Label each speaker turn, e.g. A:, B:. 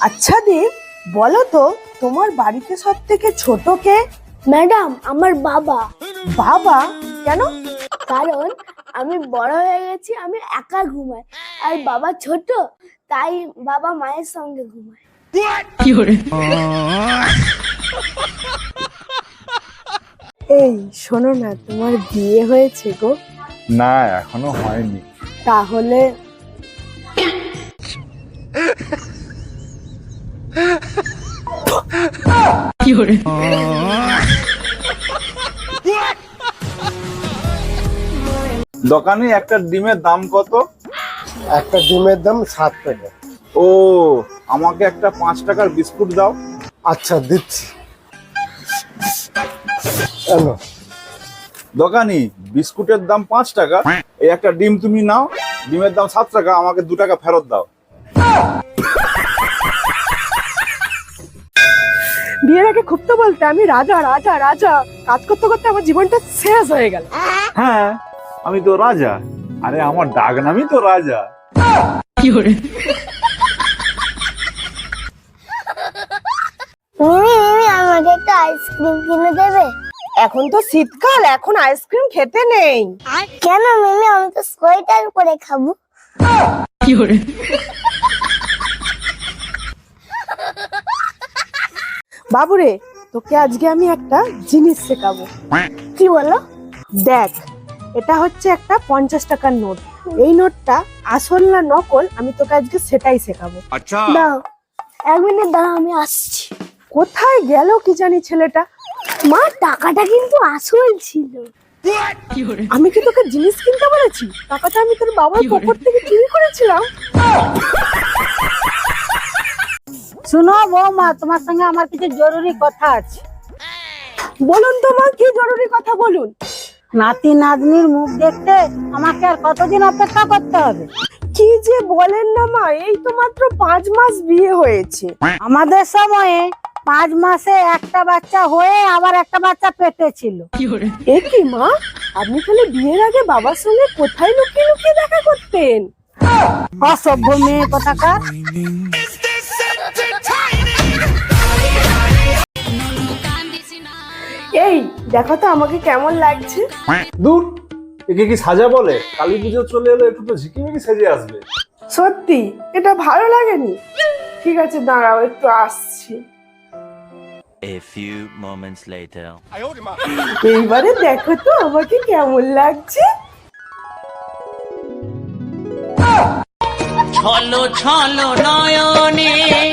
A: আচ্ছা দীপ, বলো তো তোমার বাড়িতে সব থেকে ছোট কে?
B: ম্যাডাম, আমার বাবা।
A: বাবা? কেন?
B: কারণ আমি বড় হয়ে গেছি, আমি একা ঘুমাই, আর বাবা ছোট, তাই বাবা মায়ের সঙ্গে ঘুমায়।
A: এই শোনো না, তোমার বিয়ে হয়েছে গো?
C: না, এখনো হয়নি।
A: তাহলে
C: দোকানে একটা ডিমের দাম কত?
D: একটা ডিমের দাম 7 টাকা।
C: ও, আমাকে একটা 5 টাকার বিস্কুট দাও।
D: আচ্ছা, দিচ্ছি। এনো।
C: দোকানি, বিস্কুটের দাম 5 টাকা, এই একটা ডিম তুমি নাও। ডিমের দাম 7 টাকা, আমাকে 2 টাকা ফেরত দাও।
A: বিয়ের আগে খুব তো বলতে আমি রাজা রাজা রাজা, কাজ করতে করতে আমার জীবনটা শেষ হয়ে গেল।
C: হ্যাঁ, আমি তো রাজা। আরে আমার ডাক নামই তো রাজা।
B: মিমি, আমাকে একটা আইসক্রিম কিনে দেবে?
A: এখন তো শীতকাল, এখন আইসক্রিম খেতে নেই।
B: কেন মিমি, আমি তো সোয়েটার পরে খাবো।
A: বাবুরে, তোকে আজকে আমি একটা জিনিস শেখাবো।
B: কি বলো?
A: দেখ, এটা হচ্ছে একটা 50 টাকার নোট। এই নোটটা আসল না নকল, আমি তোকে আজকে সেটাই শেখাবো।
B: দাও, 1 মিনিট দাঁড়া, আমি আসছি।
A: কোথায় গেল কি জানি ছেলেটা?
B: মা, টাকাটা কিন্তু আসল ছিল।
A: আমি কি তোকে জিনিস কিনতে বলেছি? টাকাটা আমি তোর বাবার পকেট থেকে চুরি করেছিলাম।
E: শুনো বৌমা, তোমার সঙ্গে আমার কিছু জরুরি কথা আছে।
A: বলুন তো মা, কি জরুরি কথা বলুন।
E: নাতি নাতনির মুখ দেখতে আমাকে আর কতদিন অপেক্ষা করতে হবে?
A: কি যে বলেন না মা, এই তো মাত্র 5 মাস বিয়ে হয়েছে।
E: আমাদের সময়ে 5 মাসে একটা বাচ্চা হয়ে আবার একটা বাচ্চা পেটে ছিল।
A: এ কি মা, আপনি তাহলে বিয়ের আগে বাবার সঙ্গে কোথায় লুকিয়ে লুকিয়ে দেখা করতেন?
E: অসভ্য মেয়ে কোথাকার।
A: এই দেখো তো আমাকে কেমন লাগছে।
C: দূর, একে কি সাজা বলে? কালী পুজো চলে এলো, একটু তো ঝিকিমিকি সেজে আসবে।
A: সত্যি এটা ভালো লাগেনি? ঠিক আছে, দাঁড়াও, একটু আসছি।
F: A few moments later.
A: এইবারে দেখো তো আমাকে কেমন লাগছে।
G: ছলো ছলো নয়নে